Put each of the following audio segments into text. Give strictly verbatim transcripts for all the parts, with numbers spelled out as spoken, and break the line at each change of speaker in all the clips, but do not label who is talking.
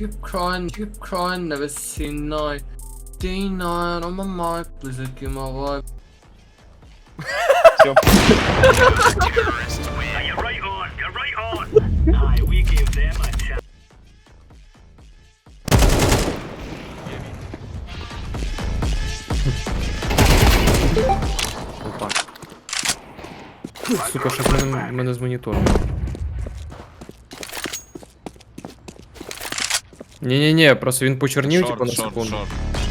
keep crying, keep crying, never seen night. Day nine on my mind, please give my vibe.
Все.
You're right on, you're right on. Aye, we gave them a chance.
Опа. Сука, що в мене, в мене з монітором. Ні-ні-ні, просто він почорнів, типу, на
Шорт, шорт,
секунду.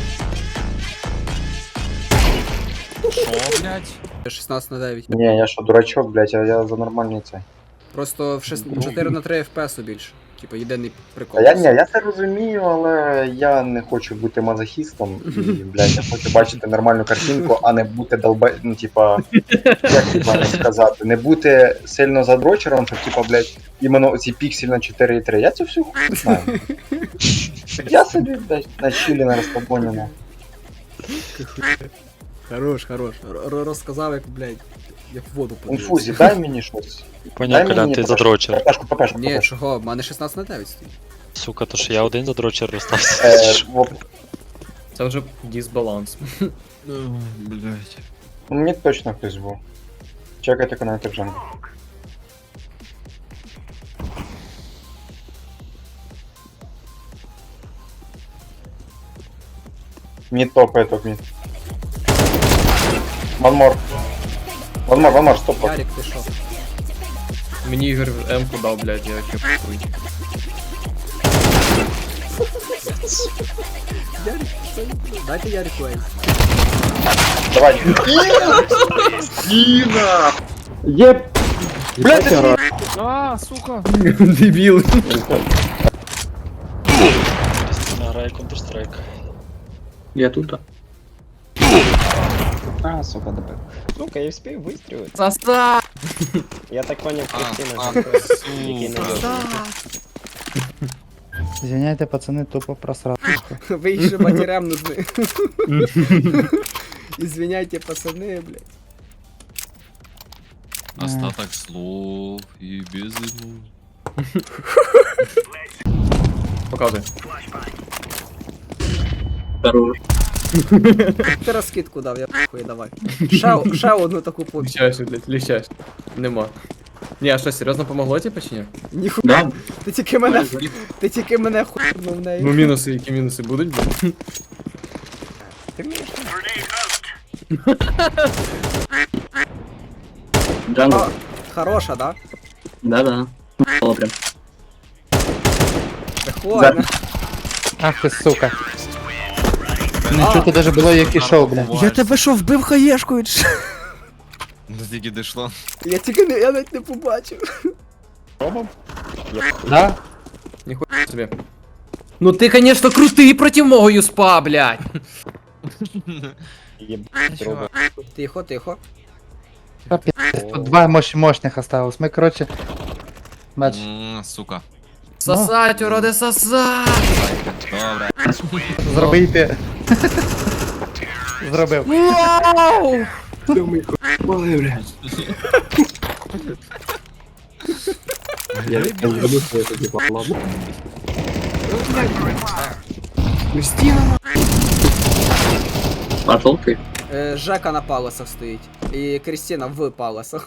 шорт. Шо, блядь?
шістнадцять на дев'ять.
Не, я що, дурачок, блядь, а я за нормальний цей.
Просто в шест- чотири на три еф пі ес більше. Типа єдиний прикол.
А я ні, я це розумію, але я не хочу бути мазохістом і, блядь, я хочу бачити нормальну картинку, а не бути долба... ну, типа, як правильно сказати, не бути сильно задрочером, щоб, типа, блядь, іменно оці пікселі на чотири і три. Я цю всю хуй знаю. Я собі, блядь, на чилі, на розслабоні, на.
Хорош, хорош. Р- розказав, як, блядь, як в воду подивився.
Інфузі, дай мені щось.
Поняв, Колян, ти
трошки.
задрочер.
Пепешку, пепешку,
Ні,
пепешку.
чого, в мене шістнадцять на дев'ять стоїть.
Сука, то що я один задрочер остався.
Е, в-
Це вже дисбаланс.
Блядь.
Мені точно хтось був. Чекайте коннектор джангл. Мид топает, топ мид. One more. One more, one more, стоп.
Ярик, ти що?
Мені Ігор М-ку дав, блядь, я кепую.
Ярик, що? Дайте Ярику ей.
Давай. Дина! Еб! Блядь, ты...
А, сука.
Дебіл.
Кристина грає Counter-Strike.
Я тут.
А, сука, добив. Сука, я вспів вистрілити.
Саса!
Я так поняв,
А,
Кристина
а,
жінка, який не
сука.
Извиняйте, пацаны, тупо просрал.
Ви ще матерям нужны. Извиняйте, пацаны, блядь.
Остаток слов и без ему.
Показуй.
Здорово.
Ти розкидку дав, я хуй давай. Ще, ще одну таку попі.
Ліщаєш, блядь, ліщаєш. Нема. Ні, а що, серйозно помогло типу чи ні?
Ніхуя.
Да?
Ти тільки мене, ти тільки мене хуйнув в неї.
Ну мінуси, які мінуси будуть, блядь?
Ти вмієш?
Джангл.
А, хороша, да?
Да-да. Мало прям.
Прикольно.
Ах ты, сука. Не чути даже було, як ішов, бля.
Я тебе що, вбив хаєшкою? чи?
До тільки дійшло.
Я тільки не, я навіть не побачив.
Да?
Ніхуя собі. Ну ти, конечно, крутий проти мого юспа, блядь.
Єбать робот.
Тихо, тихо.
Тут два мощ мощних осталось. Ми, короче... Бач.
М, Сука.
Сосать, уроди, сосать!
Добре.
Зробити. Зробив.
Вау!
Ой, блядь. Я не забыл, что это типа ладно. Кристина. Пошел ты.
Е, Жека на паласах стоїть. І Крістіна в паласах.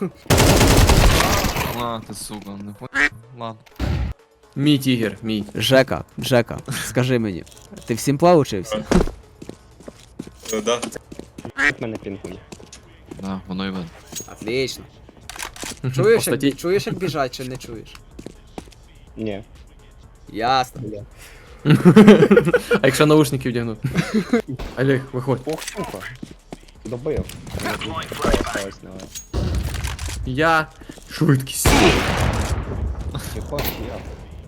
А, ти сука, не хуй. Ладно.
Мій тігер, мій.
Жека, Жека, скажи мені, ти всім плав учився?
Як мене пінгує.
Да, воно і видно.
Отлично. Чуєш,
Кстати,
як, чуєш, як біжать, чи не чуєш?
Ні.
Ясно.
А якщо наушники вдягнути? Олег, виходь.
Ох, сука. Добив. Осталось на
Я... Швидкість.
Єбать, я.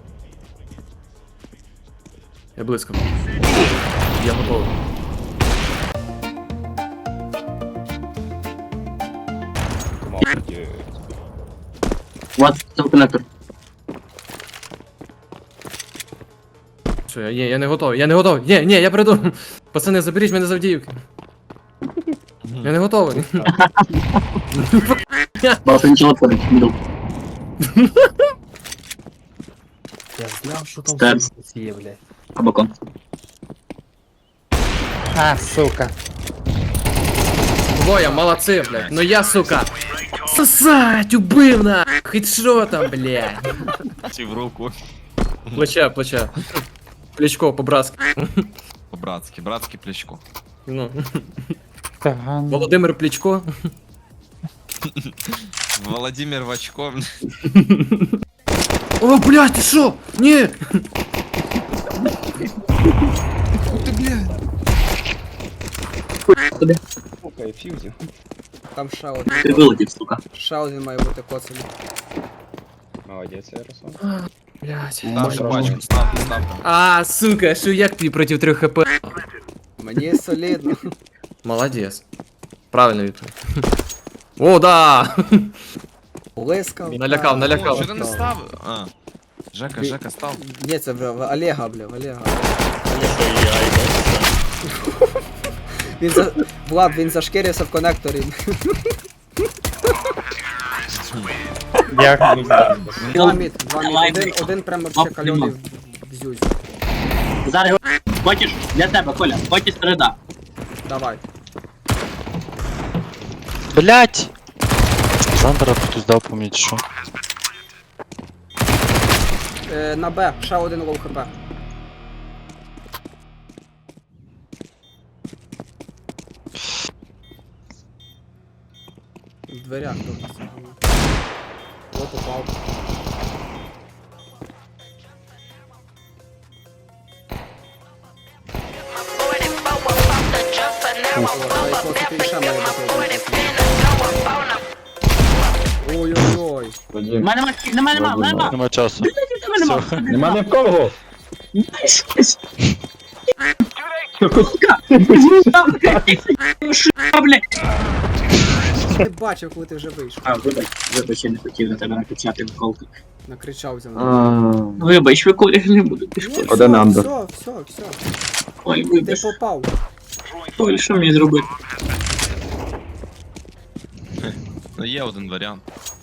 Я близько. Я готовий.
Молодець.
Вот, там коннектор.
Що, я, ні, я не готовий, я не готовий. Ні, ні, я приду. Пацани, заберіть мене з Авдіївки. Я не готовий.
Бал, ты ничего творить, не дал.
Я знав, що там
Старс.
сука є, блядь.
Абакон.
А, сука.
Двоє, молодці, блядь. Ну я, сука. Сосать, убив на. Хедшотом, блядь.
Чи в руку.
Плече, плече. Плечко по-братськи.
По-братськи, братське плечко.
Ну.
Таган.
Володимир Плечко.
Володимир Вачко.
О, блядь, ти що? Ні!
Сука, і фьюзі.
Там ще один.
Ти вилетів, сука.
Ще один має бути коцаний.
Молодець, Ярослав.
Блядь.
Ставте пачку, ставте, ставте.
А, сука, що як ти проти трьох хп?
Мені солідно.
Молодець. Правильно відповідь. О, да!
Блискав.
Налякав,
О,
налякав.
що ти не ставив? А. Жека, Жека, став.
Ні, це в, в Олега, бля, в Олега. Він за... Влад, він зашкірився в конекторі.
Як?
Два мід, два мід.
Давай,
Один,
Микола.
один прямо
Оп,
ще кальоний
нема.
в, в зюзі.
Зараз його- хочеш для тебе, Коля, хочеш середа.
Давай.
Блять! Зандера хтось дав по мені, чи що?
Е, на Б, ще один лоу хп. В дверях тут. От упав. Ой-ой-ой.
У мене нема, нема, нема, нема.
Нема часу.
Нема, нема.
Нема ні в кого.
Що, блядь?
Не бачив, коли ти вже вийшов.
А, вибач, вибач, я не хотів на тебе накричати в колку.
Накричав за мною.
Вибач, ви Коля не буду, ти що?
Ні,
Один
все,
андер.
все, все, все.
Ой,
Ти
вибач.
попав.
Ой, що мені зробити?
Ну є один варіант.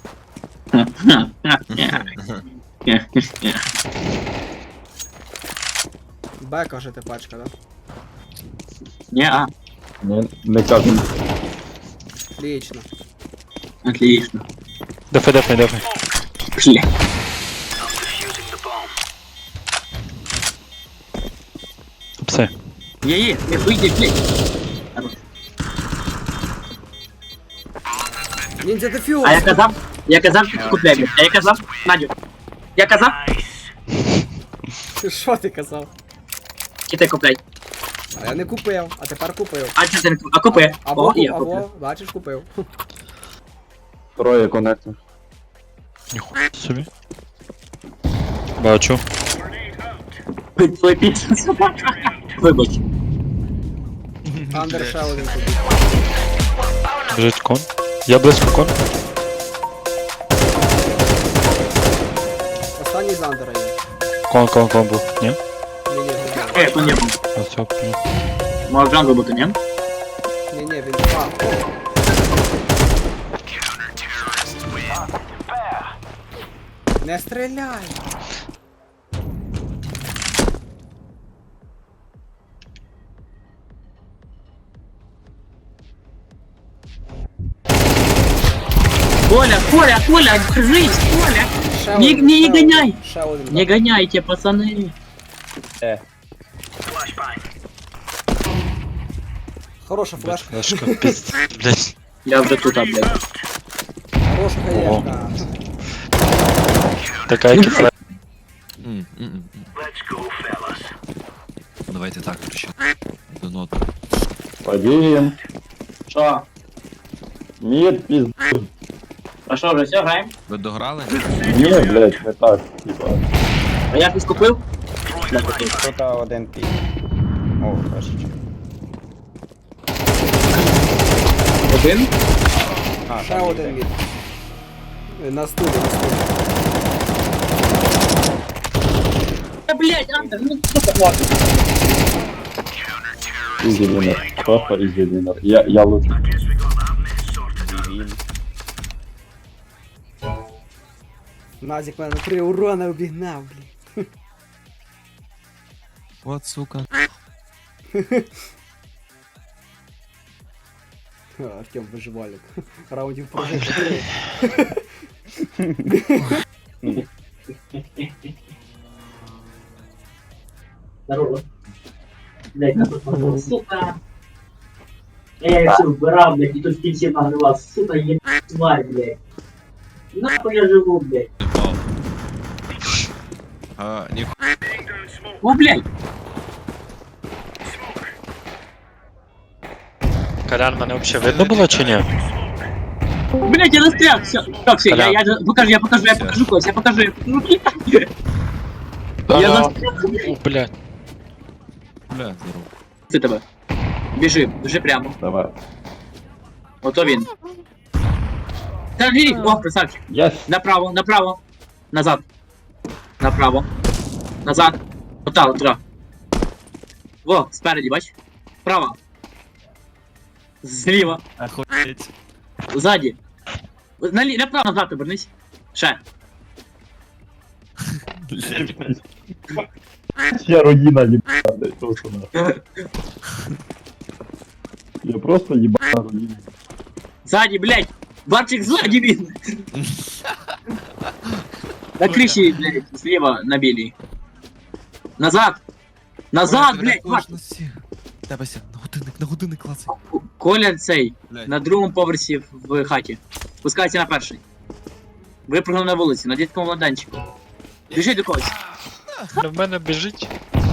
Б, кажете, пачка, да?
Не, а,
Не, не кажемо.
Отлично.
отлично.
Дефай, дефай, дефай.
Бля.
Пси.
Є, є, не вийди, блядь.
Ніндзя дефюз!
А я казав, я казав, що купляй, блядь. А я казав, Надю. Я казав,
Що ти казав?
чи ти купляй.
А я не купив, а тепер купив.
А чи ти не купив? А купи.
Або,
О, і я
або,
куплю.
бачиш, купив.
Троє конектор.
Ніхуя собі. Бачу.
Твой піца собака. Вибач.
Андер ще один тобі.
Біжить кон. Я близько кон.
Останній з Андера є.
Кон, кон, кон був. Ні?
Ні, ні,
Е, то не був.
А цього ні.
Може джангл бути, ні?
ні, ні, ні, він а, не стріляй!
Коля, Коля, Коля, держись, Коля.
Ще
Не-
один,
не
ще
гоняй.
один, Ще один.
Не
да.
гоняйте, пацаны.
Хороша флешка.
Флешка, пізд. Блять.
Я вже тут, а, блядь.
Хороша хаєшка.
Така як і флешка.
М, м, м.
Let's go, fellas.
Давайте так, короче. До нот.
Один.
Що?
Мід, пізд.
А що, вже все, граємо?
Ви дограли?
Ні, блядь, не так. Типа.
А я щось купив?
Тут один пік. О, флешечка.
Один?
А,
Ще
там
один
мід.
мід. Е, На стулі, на стулі.
Та, блядь, Андер, ну сука, ладно.
Ізі вінер. Просто ізі вінер. Я, я лучше.
Він.
Назік мене три урона обігнав, блін.
От, сука.
Артем виживальник. Раундів прожив.
Здорово. Блять, на тут сука. Я все вбирав, блядь, і тут в кінці нагрівав. Сука, є тварь, блядь. Нахуй я живу, блядь.
А, ні.
О, блядь.
Колян, мене взагалі видно було чи ні?
Блядь, я застряг, все. Так, все, я, я покажу, я покажу, я покажу когось, я покажу, я покажу. Я застряг.
О, блядь.
Бля, здорово.
Це тебе. Біжи, біжи прямо.
Давай.
Ото він. Та віріть, о, красавчик.
Єс.
Направо, направо. Назад. Направо. Назад. Ота, отра. Во, спереді, бач. Справа. Зліва.
Охуеть.
Ззаді. Налі... Направо, назад обернись. Ще.
Я родина ебана, блядь, просто нахуй. Я просто ебана родина.
Ззаді, блядь. Барчик ззаді він. На криші, блядь, зліва на білій. Назад. Назад, блядь, Барчик.
Тебе ся, на годинник, на годинник клацай.
Коля цей.
Блядь.
На другому поверсі в хаті. Спускайся на перший. Випрыгнув на вулиці, на дітському майданчику. Біжи до когось.
В мене біжить.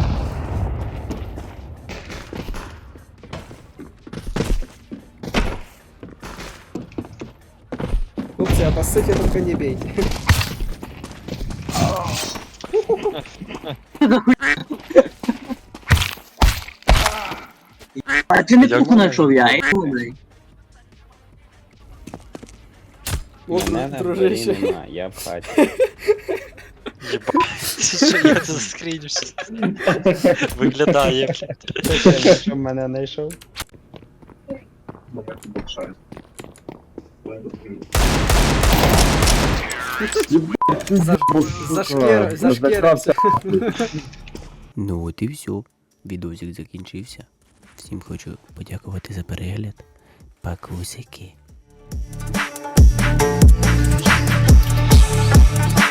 Хлопці, а по суті только не бейте.
А ти не
Як
пуху
ви?
знайшов я, ей, блядь.
О,
Мене
дружище.
дворі нема, я в хаті.
Що я це заскрінюся? Виглядає.
Що мене знайшов?
Зашкер... Зашкерився.
Ну от і все. Відосик закінчився. Всім хочу подякувати за перегляд. Пакусики.